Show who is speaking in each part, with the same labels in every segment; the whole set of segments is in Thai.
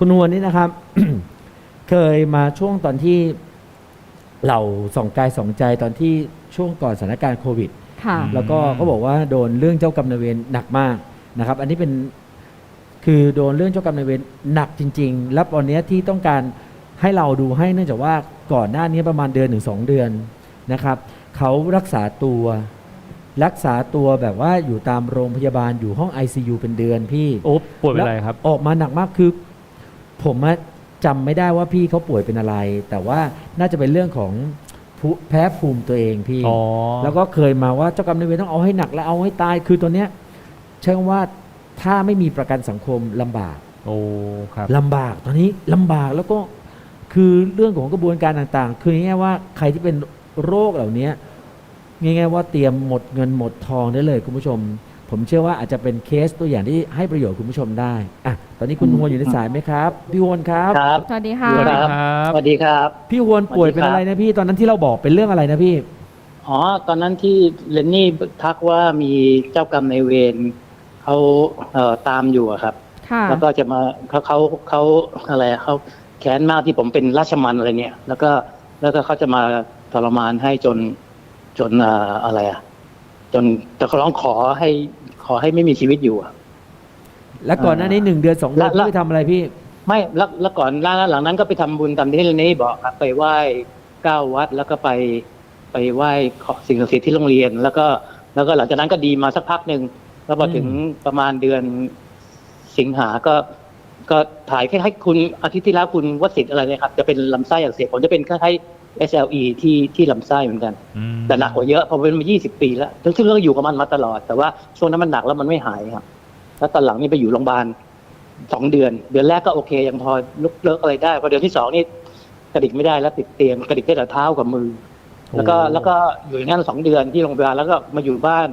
Speaker 1: คุณนวลนี่นะครับ เคยมาช่วงตอนที่เราส่องกายส่องใจตอนที่ช่วงก่อนสถานการณ์โควิด
Speaker 2: ค่ะ
Speaker 1: แล้วก็เขาบอกว่าโดนเรื่องเจ้ากรรมนายเวรหนักมากนะครับ อันนี้เป็นคือโดนเรื่องเจ้ากรรมนายเวรหนักจริงๆแล้วตอนนี้ที่ต้องการให้เราดูให้เนื่องจากว่าก่อนหน้านี้ประมาณเดือนถึง2 เดือนนะครับเขารักษาตัวแบบว่าอยู่ตามโรงพยาบาลอยู่ห้อง ICU เป็นเดือนพี่
Speaker 3: โอ้ป่วยเป็นอะไรครับ
Speaker 1: ออกมาหนักมากคือผมจำไม่ได้ว่าพี่เขาป่วยเป็นอะไร แต่ว่าน่าจะเป็นเรื่องของแพ้ภูมิตัวเองพี่
Speaker 3: อ๋อ
Speaker 1: แล้วก็เคยมาว่าเจ้ากรรมนายเวรต้องเอาให้หนักและเอาให้ตายคือตัวเนี้ยใช่ว่าถ้าไม่มีประกันสังคมลำบาก
Speaker 3: โอ้ครับ
Speaker 1: ลำบากตอนนี้ลำบากแล้วก็คือเรื่องของกระบวนการต่างๆ คือง่ายๆว่าใครที่เป็นโรคเหล่านี้ง่ายๆว่าเตรียมหมดเงินหมดทองได้เลยคุณผู้ชม ผมเชื่อว่าอาจจะเป็นเคสตัวอย่างที่ให้ประโยชน์คุณผู้ชมได้อ่ะตอนนี้คุณฮวนอยู่ในสายไหมครับพี่ฮวนครับ
Speaker 4: ครับ
Speaker 2: สวัสดีค่ะ
Speaker 3: สวัสดีครับ
Speaker 4: สวัสดีครับ
Speaker 1: พี่ฮวนป่วยเป็นอะไรนะพี่ตอนนั้นที่เราบอกเป็นเรื่องอะไรนะพี่
Speaker 4: อ๋อ ตอนนั้นที่เรนนี่ทักว่ามีเจ้ากรรมนายเวรเขาตามอยู่อะครับ
Speaker 2: ค่ะ
Speaker 4: แล้วก็จะมาเขาอะไรเขาแค้นมากที่ผมเป็นราชมัณอะไรเนี่ย แล้วก็เขาจะมาทรมานให้จนอะไรอะจนแต่เขาร้องขอให้ไม่มีชีวิตอยู่อะ
Speaker 1: แล้วก่อนหน้านี้1 เดือน 2 เดือน
Speaker 4: แล้ว
Speaker 1: พี่ไปทำอะไรพี่
Speaker 4: ไม่แล้วก่อนหลังนั้นก็ไปทำบุญตามที่เรนนี่บอกครับไปไหว้9 วัดแล้วก็ไปไหว้สิ่งศักดิ์สิทธิ์ที่โรงเรียน แล้วก็หลังจากนั้นก็ดีมาสักพักหนึ่งแล้วพอถึงประมาณเดือนสิงหาก็ถ่ายให้คุณอาทิตย์ที่แล้วคุณวสิทธิ์อะไรเนี่ยครับจะเป็นลำไส้อักเสบผมจะเป็นคล้ายๆ SLE ที่ลำไส้เหมือนกัน
Speaker 3: อืม
Speaker 4: แต่หนักกว่าเยอะเพราะเป็นมา20 ปีแล้วซึ่งเราอยู่กับมันมาตลอด แต่ว่าช่วงนั้นมันหนักแล้วมันไม่หายครับแล้วตอนหลังนี่ไปอยู่โรงพยาบาล2 เดือนแรกก็โอเคยังพอลุกเลิกอะไรได้พอเดือนที่2นี่กระดิกไม่ได้แล้วติดเตียงกระดิกได้แต่เท้ากับมือ แล้วก็อยู่อย่างนั้น2 เดือนที่โรงพยาบาลแล้วก็มาอยู่บ้าน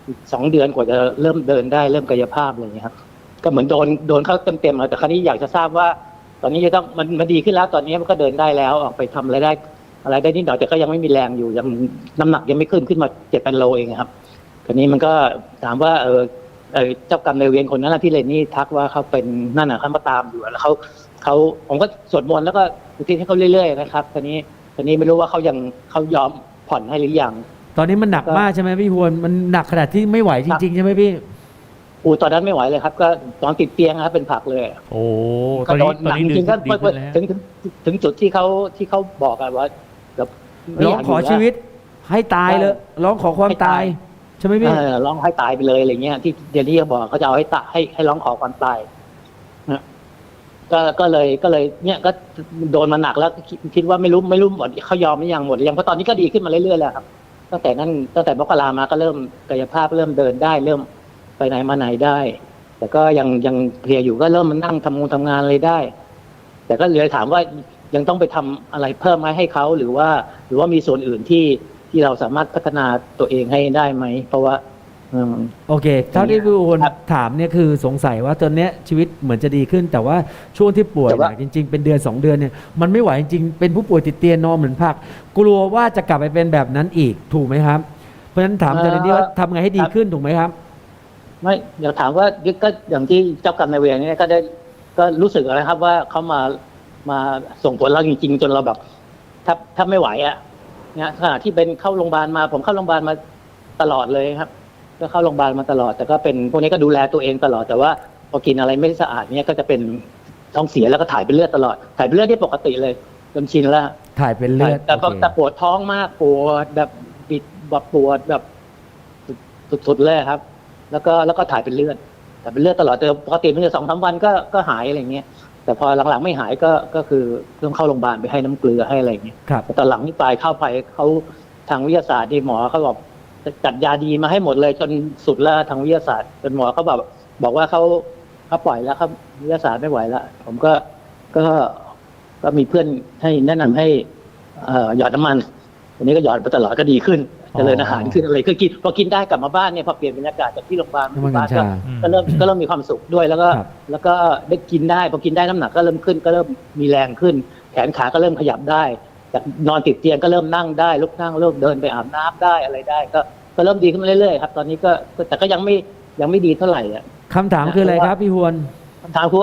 Speaker 4: 2 เดือนกว่าจะเริ่มเดินได้เริ่มกายภาพอะไรอย่างเงี้ยครับก็เหมือนโดนเขาเต็มๆเลยแต่คราวนี้อยากจะทราบว่า ตอนนี้จะต้องมันดีขึ้นแล้วตอนนี้มันก็เดินได้แล้วออกไปทำอะไรได้นิดหน่อยแต่ก็ยังไม่มีแรงอยู่ยังน้ำหนักยังไม่ขึ้นมา7-8 โลเองครับคราวนี้มันก็ถามว่าเจ้ากรรมนายเวรคนนั้นนะที่เรนนี่ทักว่าเขาเป็นนั่นน่ะเขามาตามอยู่แล้วเขาผมก็สวดมนต์แล้วก็อุทิศให้เขาเรื่อยๆนะครับคราวนี้ไม่รู้ว่าเขายอมผ่อนให้หรือยัง
Speaker 1: ตอนนี้มันหนักมากใช่ไหมพี่ฮวนมันหนักขนาดที่ไม่ไหวจริงๆใช่ไหมพี่
Speaker 4: ตอนนั้นไม่ไหวเลยครับ ก็ตอนติดเตียงครับเป็นผักเลย
Speaker 3: โอ้ต
Speaker 4: ก็
Speaker 3: อน
Speaker 4: โด
Speaker 3: นี้
Speaker 4: น
Speaker 3: ตอนนี้
Speaker 4: หนักจริงๆ
Speaker 3: ดี
Speaker 4: ก็
Speaker 3: ขึ้นแล้ว
Speaker 4: ถึงจุดที่เขาบอกกันว่าแบบไม่
Speaker 1: ร้อย
Speaker 4: าง ก
Speaker 1: ขอชีวิตให้ตายเลยร้องขอความตายใช่ไหมพี่
Speaker 4: ร้องให้ตายไปเลยอะไรเงี้ยที่เดี๋ยวนี้เขาบอกเขาจะเอาให้ตายให้ร้องขอความตายนะก็เลยเนี่ยก็โดนมาหนักแล้วคิดว่าไม่รู้หมดเขายอมไม่ยังหมดยังเพราะตอนนี้ก็ดีขึ้นมาเรื่อยๆแล้วครับตั้งแต่มกรามาก็เริ่มกายภาพเริ่มเดินได้เริ่มไปไหนมาไหนได้ แต่ก็ยังเพลียอยู่ก็เริ่มมานั่งทำงานอะไรได้ แต่ก็เลยถามว่ายังต้องไปทำอะไรเพิ่มไหมให้เขาหรือว่ามีส่วนอื่นที่เราสามารถพัฒนาตัวเองให้ได้ไหมเพราะว่า
Speaker 1: โอเคเท่าที่พี่ฮวน
Speaker 4: ครับ
Speaker 1: ถามเนี่ยคือสงสัยว่าตอนเนี้ยชีวิตเหมือนจะดีขึ้น แต่ว่าช่วงที่ป่วย
Speaker 4: แต่
Speaker 1: ห
Speaker 4: ว่า
Speaker 1: นักจริงๆเป็นเดือน 2 เดือนเนี่ยมันไม่ไหวจริงๆเป็นผู้ป่วยติดเตียงนอนเหมือนผักกลัวว่าจะกลับไปเป็นแบบนั้นอีกถูกไหมครับเพราะฉะนั้นถามอาจารย์เรนนี่ว่าทำไงให้ดีขึ้นถูกไหมครับ
Speaker 4: ไม่อยากถามว่าก็อย่างที่เจ้ากรรมนายเวรเนี่ยก็รู้สึกอะไรครับว่าเขามาส่งผลเราจริงๆจนเราแบบถ้าไม่ไหวอ่ะเนี่ยขณะที่เป็นเข้าโรงพยาบาลมาผมเข้าโรงพยาบาลมาตลอดเลยครับ ก็เข้าโรงพยาบาลมาตลอดแต่ก็เป็นพวกนี้ก็ดูแลตัวเองตลอดแต่ว่าพอกินอะไรไม่สะอาดเนี่ยก็จะเป็นท้องเสียแล้วก็ถ่ายเป็นเลือดตลอดถ่ายเป็นเลือดที่ปกติเลยจนชินแล้ว
Speaker 1: ถ่ายเป็นเลือด
Speaker 4: แต่
Speaker 1: โอเค
Speaker 4: แต่ปวดท้องมากปวดแบบบิดแบบปวดแบบสุดๆเลยครับ แล้วก็ถ่ายเป็นเลือดแต่เป็นเลือดตลอดแต่ปกติมันจะ2-3 วันก็หายอะไรเงี้ยแต่พอหลังๆไม่หายก็คือต้องเข้าโรงพยาบาลไปให้น้ำเกลือให้อะไรเงี้ย
Speaker 1: ครับ
Speaker 4: แต่ตอนหลังนี่ปลายเข้าไปเขาทางวิทยาศาสตร์ที่หมอเขาบอกจัดยาดีมาให้หมดเลยจนสุดแล้วทางวิทยาศาสตร์จนหมอเขาบอกว่าเขาปล่อยแล้วครับวิทยาศาสตร์ไม่ไหวแล้วผมก็มีเพื่อนให้แนะนำให้หยอดน้ำมันวันนี้ก็หยอดไปตลอดก็ดีขึ้นเจริญอาหารขึ้นอะไรคือกินพอกินได้กลับมาบ้านเนี่ยพอเปลี่ยนบรรยากาศจากที่โรงพยาบาล
Speaker 1: น้ำมันกัญชา
Speaker 4: ก็เริ่มมีความสุขด้วยแล้วก็
Speaker 1: ครับ
Speaker 4: แล้วก็ได้กินได้พอกินได้น้ำหนักก็เริ่มขึ้นก็เริ่มมีแรงขึ้น แขนขาก็เริ่มขยับได้จากนอนติดเตียงก็เริ่มนั่งได้ลุกนั่งเริ่มเดินไปอาบน้ำได้อะไรได้ก็เริ่มดีขึ้นมาเรื่อยๆครับตอนนี้ก็แต่ก็ยังไม่ดีเท่าไหร่อ่ะ
Speaker 1: คำถามคืออะไรครับพี่ฮวน
Speaker 4: คำถามคือว่า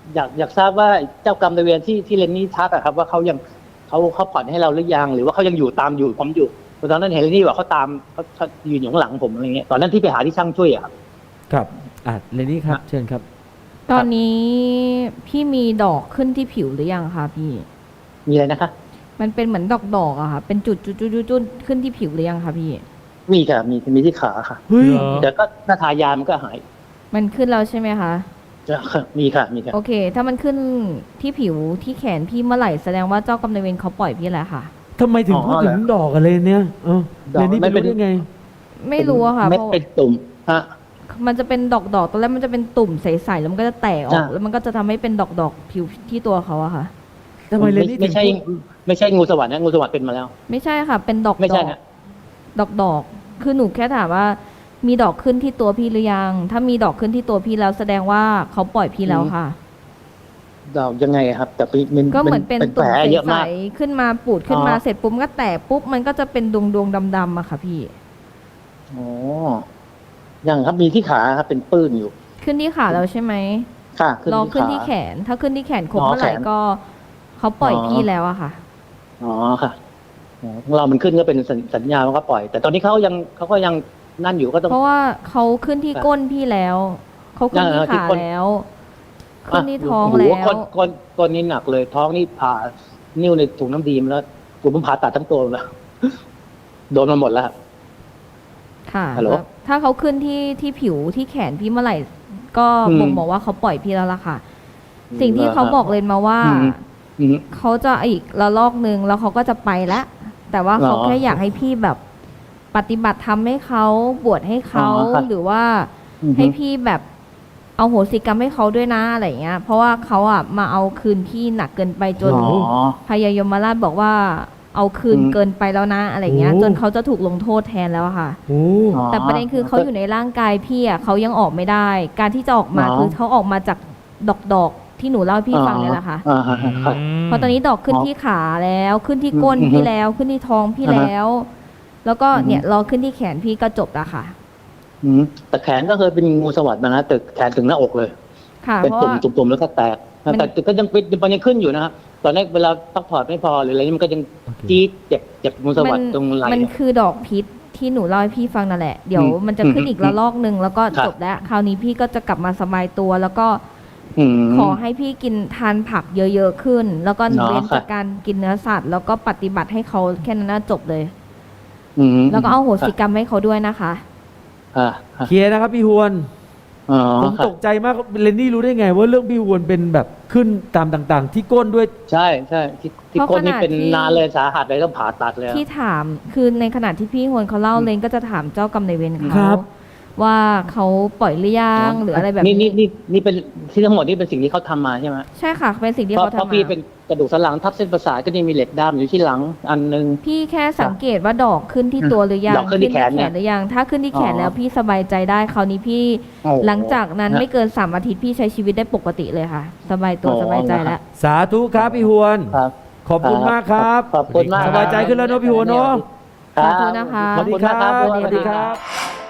Speaker 4: อยากทราบว่าเจ้ากรรมนายเวรที่เรนนี่ทักอะครับ ว่าเขาผ่อนให้เราหรือยังหรือว่าเขายังอยู่ผมอยู่ตอนนั้นเห็นเรนนี่บอกเขาตามเขายืนอยู่ข้างหลังผมอะไรเงี้ยตอนนั้นที่ไปหาที่ช่างช่วยอะครับ
Speaker 1: ครับเรนนี่ครับเชิญครับ
Speaker 2: ตอนนี้พี่มีดอกขึ้นที่ผิวหรือยังคะพี่
Speaker 4: มีอะไรนะคะ
Speaker 2: มันเป็นเหมือนดอกอะค่ะ เป็นจุดขึ้นที่ผิวหรือยังคะพี่
Speaker 4: มีค่ะมีที่ขาค่ะ
Speaker 1: เฮ้ย
Speaker 3: เหรอ
Speaker 4: แต่ก็ถ้าทายามันก็หาย
Speaker 2: มันขึ้นแล้วใช่ไหมคะ
Speaker 4: มีค่ะ
Speaker 2: โอเค ถ้ามันขึ้นที่ผิวที่แขนพี่เมื่อไหร่แสดงว่าเจ้ากรรมนายเวรเขาปล่อยพี่แล้วค่ะ
Speaker 1: ทำไมถึงพูดถึงดอกกันเลยเนี่ยเรนนี่ไปรู้ได้ไง
Speaker 2: ไม่รู้อะค่ะ
Speaker 4: เม็ด
Speaker 2: เพราะ
Speaker 4: เป็นตุ่มฮะ
Speaker 2: มันจะเป็นดอกตอนแรกมันจะเป็นตุ่มใสๆแล้วมันก็จะแตกออก แล้วมันก็จะทำให้เป็นดอกผิวที่ตัวเขาอะค่ะ
Speaker 1: ทำไมเรนนี่ถึ
Speaker 4: ไม่
Speaker 1: ง
Speaker 4: ใช่
Speaker 1: พูด
Speaker 4: ไม่ใช่งูสวรรค์นะงูสวรรค์เป็นมาแล้ว
Speaker 2: ไม่ใช่ค่ะ เป็นดอก
Speaker 4: ไม่ใช่ฮะ
Speaker 2: ดอกคือหนูแค่ถามว่า มีดอกขึ้นที่ตัวพี่หรือยัง ถ้ามีดอกขึ้นที่ตัวพี่แล้วแสดงว่าเขาปล่อยพี่แล้วค่ะ
Speaker 4: ดอกยังไงครับ แต่เป็น
Speaker 2: ก็เหมือนเป็น
Speaker 4: แผ
Speaker 2: ตุ่
Speaker 4: ล
Speaker 2: ม
Speaker 4: เยอะ
Speaker 2: ใส
Speaker 4: มาก
Speaker 2: ๆขึ้นมาปูดขึ้นมา
Speaker 4: อ๋อ
Speaker 2: เสร็จปุ๊บก็แตกปุ๊บมันก็จะเป็นดวงดำๆอะค่ะพี่
Speaker 4: อ๋อยังครับมีที่ขาครับเป็นปื้นอยู่
Speaker 2: ขึ้นที่ขาแล้วใช่ไหม
Speaker 4: ค่ะ
Speaker 2: ลองขึ้น
Speaker 4: ขา
Speaker 2: ที่แขน ถ้าขึ้นที่แขนครบ
Speaker 4: อ๋อ
Speaker 2: เมื่อไหร่
Speaker 4: แขน
Speaker 2: ก็เขาปล่อย
Speaker 4: อ๋อ
Speaker 2: พี่แล้วอะค่ะ
Speaker 4: อ๋อค่ะอ๋อของเรามันขึ้นก็เป็นสัญญาว่าก็ปล่อย แต่ตอนนี้เขาก็ยังนั่นอยู่ก็ต้อง
Speaker 2: เพราะว่าเขาขึ้นที่ก้นพี่แล้วเขาขึ้นที่
Speaker 4: ที่
Speaker 2: ขา
Speaker 4: ก้น
Speaker 2: แล้ว ขึ้นที่ท้อง
Speaker 4: โโห
Speaker 2: แล้ว
Speaker 4: ก้นนี่หนักเลย ท้องนี่ผ่านิ้วในถุงน้ำดีมาแล้วกูผมผ่าตัดทั้งตัวแล้ว โดนมาหมดแล้ว
Speaker 2: ค่ะ
Speaker 4: ฮัลโหล
Speaker 2: แล้วถ้าเขาขึ้นที่ผิวที่แขนพี่เมื่อไหร่ ก็
Speaker 4: อืม
Speaker 2: บ่งบอกว่าเขาปล่อยพี่แล้วล่ะค่ะ สิ่งที่เขาบอกเลยมาว่า
Speaker 4: อืม
Speaker 2: เขาจะอีกระลอกนึงแล้วเขาก็จะไปแล้วแต่ว่าเขา
Speaker 4: อ๋อ
Speaker 2: แค่อยากให้พี่แบบปฏิบัติธรรมให้เขาบวชให้เขา
Speaker 4: อ๋อค่ะ
Speaker 2: หรือว่า
Speaker 4: อือฮึ
Speaker 2: ให้พี่แบบเอาโหสิกรรมให้เขาด้วยนะอะไรอย่างเงี้ย เพราะว่าเขาอ่ะมาเอาคืนพี่หนักเกินไปจน
Speaker 4: อ๋อ
Speaker 2: พญายมราชบอกว่าเอาคืน
Speaker 4: อืม
Speaker 2: เกินไปแล้วนะอะไรเงี้ย
Speaker 1: โอ้
Speaker 2: จนเขาจะถูกลงโทษแทนแล้วอะค่ะ
Speaker 1: โอ้
Speaker 4: อ๋อ
Speaker 2: แต่ประเด็นคือเขาอยู่ในร่างกายพี่อ่ะเขายังออกไม่ได้ การที่จะออกมา
Speaker 4: อ๋อ
Speaker 2: คือเขาออกมาจากดอกที่หนูเล่าให้พี่ฟังเนี่ยแหละค่ะ
Speaker 4: อ่าฮะค่ะ
Speaker 2: เพราะตอนนี้ดอกขึ้น
Speaker 4: อ๋อ
Speaker 2: ที่ขาแล้วขึ้นที่ก้น
Speaker 4: อืม
Speaker 2: พี่แล้วขึ้นที่ท้องพี่
Speaker 4: อ่าฮะ
Speaker 2: แล้ว แล้วก็
Speaker 4: อืม
Speaker 2: เนี่ยรอขึ้นที่แขนพี่ก็จบแล้วค่ะ
Speaker 4: แต่แขนก็เคยเป็นงูสวัสด์มานะแต่แขนถึงหน้าอกเลย
Speaker 2: ค่ะ
Speaker 4: เป็น
Speaker 2: เพราะ
Speaker 4: ตุ่ม
Speaker 2: ว่า
Speaker 4: ตุ่มๆแล้วก็แตก
Speaker 2: มัน
Speaker 4: แต่ก็ยังเป็นมันยังขึ้นอยู่นะครับตอนแรกเวลาพักผ่อนไม่พอหรืออะไรนี่มันก็ยังจี๊ดเจ็บงูสวัสด์ตรงไหล่
Speaker 2: มัน
Speaker 4: เนี่ย
Speaker 2: คือดอกพิษที่หนูเล่าให้พี่ฟังนั่นแหละเดี๋ยว
Speaker 4: อืม
Speaker 2: มันจะขึ้นอีกระลอกหนึ่งแล้วก็
Speaker 4: ครับ
Speaker 2: จบแล้ว คราวนี้พี่ก็จะกลับมาสบายตัว แล้วก็
Speaker 4: อืม
Speaker 2: ขอให้พี่กินทานผักเยอะๆขึ้น แล้วก็
Speaker 4: อ๋อ
Speaker 2: เว้น
Speaker 4: ครับ
Speaker 2: จากการกินเนื้อสัตว์ แล้วก็ปฏิบัติให้เขาแค่นั้นนะจบเลย
Speaker 4: อืม
Speaker 2: แล้วก็เอาโหสิกรรมให้เขาด้วยนะคะ
Speaker 4: อ่า
Speaker 1: เคลียร์นะครับพี่ฮวน
Speaker 4: อ๋อ
Speaker 1: ผม
Speaker 4: ครับ
Speaker 1: ตกใจมากเรนนี่รู้ได้ไง ว่าเรื่องพี่ฮวนเป็นแบบขึ้นตามต่างๆ ที่ก้นด้วย
Speaker 4: ใช่ที่
Speaker 2: เพราะ
Speaker 4: ก้นนี่
Speaker 2: ขนาด
Speaker 4: เป็น
Speaker 2: ที่
Speaker 4: นานเลยสาหัสเลยต้องผ่าตัดเลยอะ
Speaker 2: ที่ถามคือในขณะที่พี่ฮวนเขาเล่า
Speaker 4: อืม
Speaker 2: เลนก็จะถามเจ้ากรรมนายเวร
Speaker 1: ครั
Speaker 2: เขา
Speaker 1: บ
Speaker 2: ว่าเขาปล่อยหรือยังหรืออะไรแบบ
Speaker 4: นี่
Speaker 2: นี้
Speaker 4: นี่เป็นที่ทั้งหมดนี่เป็นสิ่งที่เขาทำมาใช่ไหม
Speaker 2: ใช่ค่ะเป็นสิ่งที่
Speaker 4: เพราะ
Speaker 2: เขา
Speaker 4: เพราะ
Speaker 2: ทำ
Speaker 4: พี่
Speaker 2: มา
Speaker 4: เป็นกระดูกสันหลังทับเส้นประสาทก็จะมีเหล็กด้ามอยู่ที่หลังอันนึง
Speaker 2: พี่แค่สังเกตว่าดอกขึ้นที่ตัวหรือยัง
Speaker 4: ดอกขึ้นที่แขนเนี่ย
Speaker 2: หรือยัง ถ้าขึ้นที่แขน
Speaker 4: อ๋อ
Speaker 2: แล้วพี่สบายใจได้คราวนี้พี่
Speaker 4: โอ้โ
Speaker 2: หลังจากนั้น
Speaker 4: ฮะ
Speaker 2: ไม่เกิน3 อาทิตย์พี่ใช้ชีวิตได้ปกติเลยค่ะ สบายตัว
Speaker 4: อ๋อ
Speaker 2: สบายใจแล้ว
Speaker 1: สาธุครับพี่ฮวน
Speaker 4: ครับ
Speaker 1: ขอบคุณมากครับ
Speaker 4: ขอบคุณมาก
Speaker 1: สบายใจขึ้นแล้วเนอะพี่หัวเนอะ
Speaker 4: ครับ
Speaker 2: ขอบคุณนะคะ
Speaker 1: สวัสดีครับ
Speaker 4: ขอบ
Speaker 1: ส
Speaker 4: คุณ
Speaker 1: วัสดี
Speaker 4: มาก
Speaker 1: ครับ